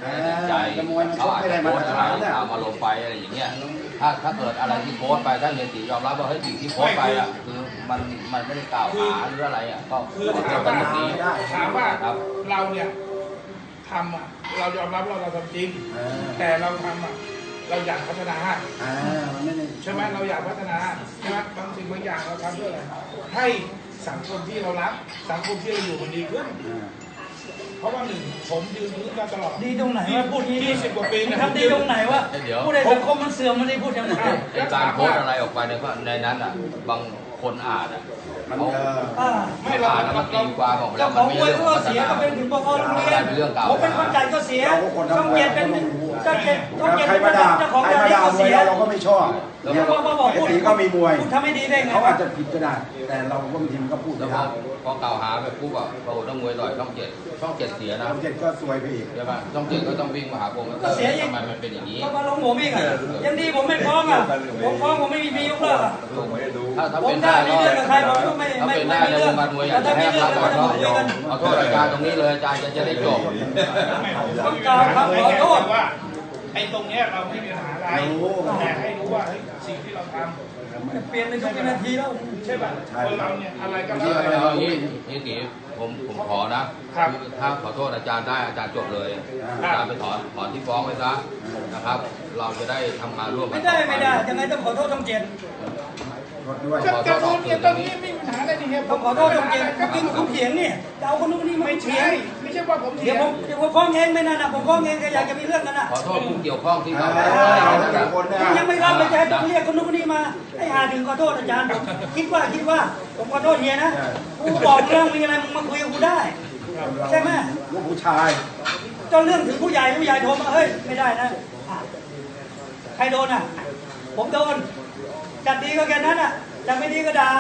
ใจเขาอาจจะโพสอะไรเอามาลงไปอะไรอย่างเงี้ยถ้าเกิดอะไรที่โพสไปถ้าเฮียตียอมรับว่าเฮ้ยสิ่งที่โพสไปอ่ะคือมันไม่ได้กล่าวหาหรืออะไรอ่ะก็ถามว่าเราเนี่ยทำอ่ะเรายอมรับเราทำจริงแต่เราทำอ่ะเราอยากพัฒนาใช่ไหมเราอยากพัฒนาใช่ไหมบางสิ่งบางอย่างเราทำเพื่ออะไรให้สังคมที่เรารักสังคมที่เราอยู่มันดีขึ้นเพราะว่าหนึ่งผมยืนพื้นมาตลอดดีตรงไหนว่าพูดที่ 20 กว่าปีนะทำดีตรงไหนว่าพูดในสังคมมันเสื่อมมันได้พูดยังไงการโพสอะไรออกไปในนั้นอ่ะบางคนอ่านอ่ะเขาไม่อ่านแล้วมันตีความออกแล้วมันไม่เรื่องเสียก็เป็นถึงปกครองโรงเรียนผมเป็นคนจ่ายก็เสียช่องเจ็ดเป็นช่องเจ็ดเป็นเจ้าของการก็เสียเราก็ไม่ชอบแล้วก็บอกพูดก็มีมวยทำไม่ดีได้ไงเขาอาจจะผิดก็ได้แต่เราก็บางทีมันก็พูดแล้วพอกล่าวหาแบบปุ๊บอ่ะโอ้ต้องมวยต่อยช่องเจ็ดเสียนะช่องเจ็ดก็ซวยไปอีกใช่ป่ะช่องเจ็ดก็ต้องวิ่งมาหาผมก็เสียทำไมมันเป็นอย่างนี้ก็มาลงผมอีกอ่ะยังดีผมไม่ฟ้องอ่ะผมฟ้องผมไม่มียกเลิกอ่ะถ้าเป็นได้ก็ถ้าเป็นได้ในวงการมวยอยากจะให้รับก่อนก็ขอโทษอาจารย์ตรงนี้เลยอาจารย์จะได้จบต้องการขอโทษว่าไอ้ตรงเนี้ยเราไม่มีปัญหาอะไรแต่ให้รู้ว่าสิ่งที่เราทำเปลี่ยนในทุกนาทีแล้วใช่ป่ะคนเราเนี่ยอะไรก็ได้นี่กี่ผมขอนะถ้าขอโทษอาจารย์ได้อาจารย์จบเลยอาจารย์ไปถอนที่ฟ้องไปซะนะครับเราจะได้ทำงานร่วมกันไม่ได้ยังไงต้องขอโทษต้องเจ็ดจะโทษเนี่ยตอนนี้ไม่มีปัญหาอะไรนี่ครับผมขอโทษต้องเจ็ดก็คือผมเถียงเนี่ยจะเอาคนนู้นนี่ไม่เถียงไม่ใช่ว่าผมเถียงเดี๋ยวผมฟ้องเองไม่นานนะผมฟ้องเองก็อยากจะมีเรื่องกันนะขอโทษผู้เกี่ยวข้องที่เรายังไม่รับไม่ใช่ต้องเรียกคนนู้นนี่มาให้ถึงขอโทษอาจารย์ผมคิดว่าผมขอโทษเฮียนะกูบอกเรื่องมีอะไรมึงมาคุยกับกูได้ใช่ไหมลูกผู้ชายจนเรื่องถึงผู้ใหญ่โทรมาเฮ้ยไม่ได้นะใครโดนอ่ะผมโดนจัดดีก็แค่นั้นอ่ะจัดไม่ดีก็ด่า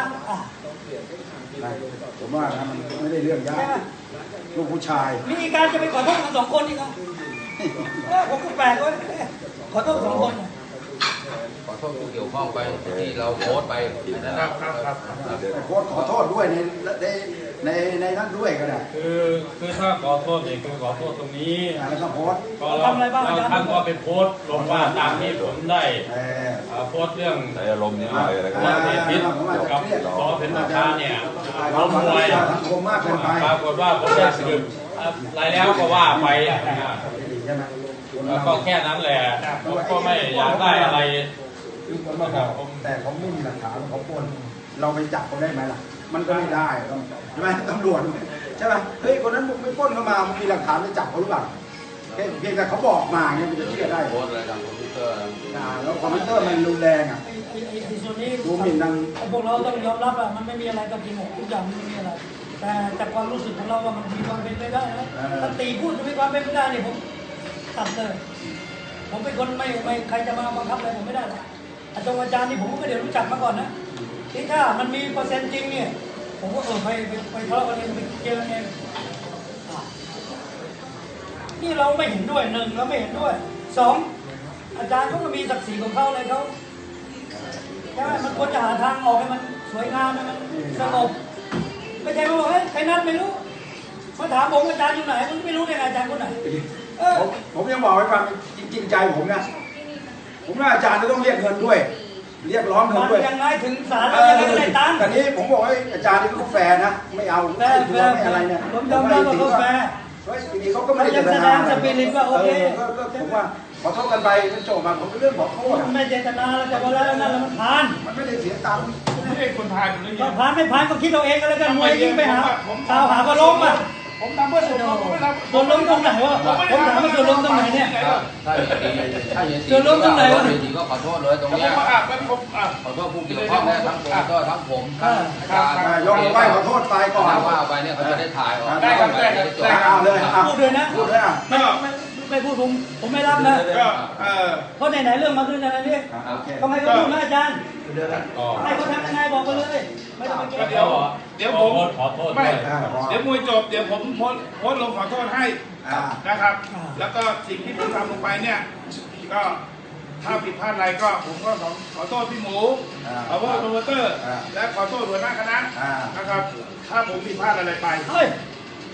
ผมว่ามันไม่ได้เรื่องยากลูกผู้ชายมีการจะไปขอโทษกัน2 คนอีกอ่ะผมก็แปลกเว้ยขอโทษ2 คนขอโทษผู้เกี่ยวข้องไปที่เราโพสไปนะครับขอโทษด้วยในนั้นด้วยก็ได้คือถ้าขอโทษเนี่ยคือขอโทษตรงนี้แล้วก็โพสก็ทำอะไรบ้างท่านก็เป็นโพสลงว่าตามที่ผมได้โพสเรื่องอารมณ์นิดหน่อยอะไรก็ได้พิษกับขอเป็นประธานเนี่ยเรามวยปรากฏว่าผมได้สืบอะไรแล้วก็ว่าไปก็แค่นั้นแหละผมก็ไม่อยากได้อะไรแต่เขาไม่มีหลักฐานเขาปล้นเราไปจับเขาได้ไหมล่ะมันก็ไม่ได้ใช่ไหมตำรวจใช่ไหมเฮ้ยคนนั้นมึงไม่ปล้นเข้ามามึงมีหลักฐานไปจับเขาหรือเปล่าเพียงแต่เขาบอกมาเนี่ยมันจะเชื่อได้โพสอะไรทางคอมพิวเตอร์แล้วคอมพิวเตอร์มันรุนแรงอ่ะส่วนนี้ดูหมิ่นดังพวกเราต้องยอมรับอ่ะมันไม่มีอะไรกับจริงทุกอย่างไม่มีอะไรแต่จากความรู้สึกของเราว่ามันมีความเป็นไปได้นะถ้าตีพูดจะมีความเป็นไปได้เนี่ยผมตัดเลยผมเป็นคนไม่ใครจะมาบังคับอะไรผมไม่ได้หรอกอาจารย์นี่ผมก็ไม่ได้รู้จักมาก่อนนะที่ถ้ามันมีเปอร์เซ็นต์จริงเนี่ยผมก็ไปทะเลาะกันเองไปเจอเองนี่เราไม่เห็นด้วย1เราไม่เห็นด้วย2อาจารย์เขาก็มีศักดิ์ศรีของเขาเลยเขาใช่ไหมมันควรจะหาทางออกให้มันสวยงามให้มันสงบไม่ใช่ว่าเฮ้ยใครนั่นไม่รู้มาถามผมอาจารย์อยู่ไหนมันไม่รู้ได้ไงอาจารย์คนไหนผมยังบอกไว้ฟังจริงใจผมนะผมว่าอาจารย์จะต้องเรียกเงินด้วยเรียกร้องเงินด้วยยังไงถึงศาลแล้วยังไม่ได้ตังค์แต่นี้ผมบอกให้อาจารย์นี่เขาแฟร์นะไม่เอาไม่อะไรเนี่ยผมยอมรับว่าเขาแฟร์ทีนี้เขาก็ไม่ได้แสดงสปิริตว่าโอเคผมว่าขอโทษกันไปจบมาผมเป็นเรื่องขอโทษไม่เจตนาแล้วแต่ว่าแล้วนั่นแล้วมันผ่านมันไม่ได้เสียตังค์ไม่ได้คนผ่านเลยก็ผ่านไม่ผ่านก็คิดเอาเองก็แล้วกันมวยยิงไปหาข่าวหาก็ล้มอ่ะผมทำเพื่อส่วนรวมส่วนรวมตรงไหนวะผมถามว่าส่วนรวมตรงไหนเนี่ยส่วนรวมตรงไหนวะจริงก็ขอโทษเลยตรงนี้ขอโทษผู้เกี่ยวข้องและทั้งผมก็ทั้งผมยกไหว้ขอโทษไปก่อนว่าไปเนี่ยเขาจะได้ถ่ายออกได้ครับเอาเลยพูดเลยนะพูดเลยไม่พูดผมไม่รับนะเพราะไหนเรื่องมาขึ้นอะไรนี่ทำไมก็พูดนะอาจารย์ให้เขาทำยังไงบอกไปเลยไม่ต้องไปแก้เดี๋ยวผมขอโทษไม่เดี๋ยวมวยจบเดี๋ยวผมโพสลงขอโทษให้นะครับแล้วก็สิ่งที่ผมทำลงไปเนี่ยก็ถ้าผิดพลาดอะไรก็ผมก็ขอโทษพี่หมูขอโทษโปรโมเตอร์และขอโทษหัวหน้าคณะนะครับถ้าผมผิดพลาดอะไรไป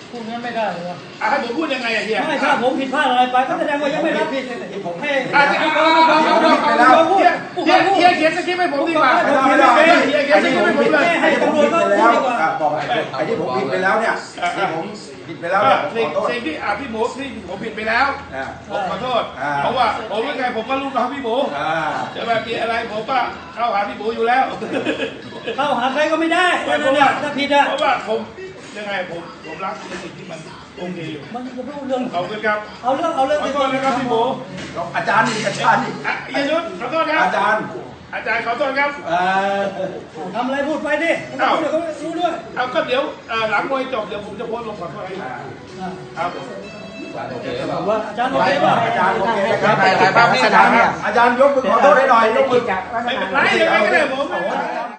พูดงั้นไม่ได้เลยวะให้ผมพูดยังไงอะเฮียไม่ถ้าผมผิดพลาดอะไรไปก็แสดงว่ายังไม่รับผิดให้เฮียเขียนสคริปต์ให้ผมดีกว่าเฮียเขียนสคริปต์ให้ผมเลยให้ตำรวจก็แล้วบอกไอ้ที่ผมผิดไปแล้วเนี่ยที่ผมผิดไปแล้วขอโทษสิ่งที่พี่หมูที่ผมผิดไปแล้วผมขอโทษเพราะว่าผมยังไงผมก็ลูกน้องพี่หมูจะแบบมีอะไรผมก็เข้าหาพี่หมูอยู่แล้วเข้าหาใครก็ไม่ได้นั่นแหละถ้าผิดอ่ะเพราะว่าผมยังไงผมรักในสิ่งที่มันโอเคอยู่มันจะพูดเรื่องขอบคุณครับเอาเรื่องขอโทษนะครับพี่หมูอาจารย์นี่อาจารย์นี่ยยุทธขอโทษครับอาจารย์ขอโทษครับทำอะไรพูดไปดิพูดเดี๋ยวเขารู้ด้วยเอาก็เดี๋ยวหลังมวยจบเดี๋ยวผมจะโพสต์ลงขอโทษให้ครับโอเคป่ะว่าอาจารย์โอเคป่ะอาจารย์โอเคนะครับถ่ายภาพนิ่งอาจารย์ยกมือขอโทษให้หน่อยยกมือไม่เป็นไรยังไงก็ได้ผม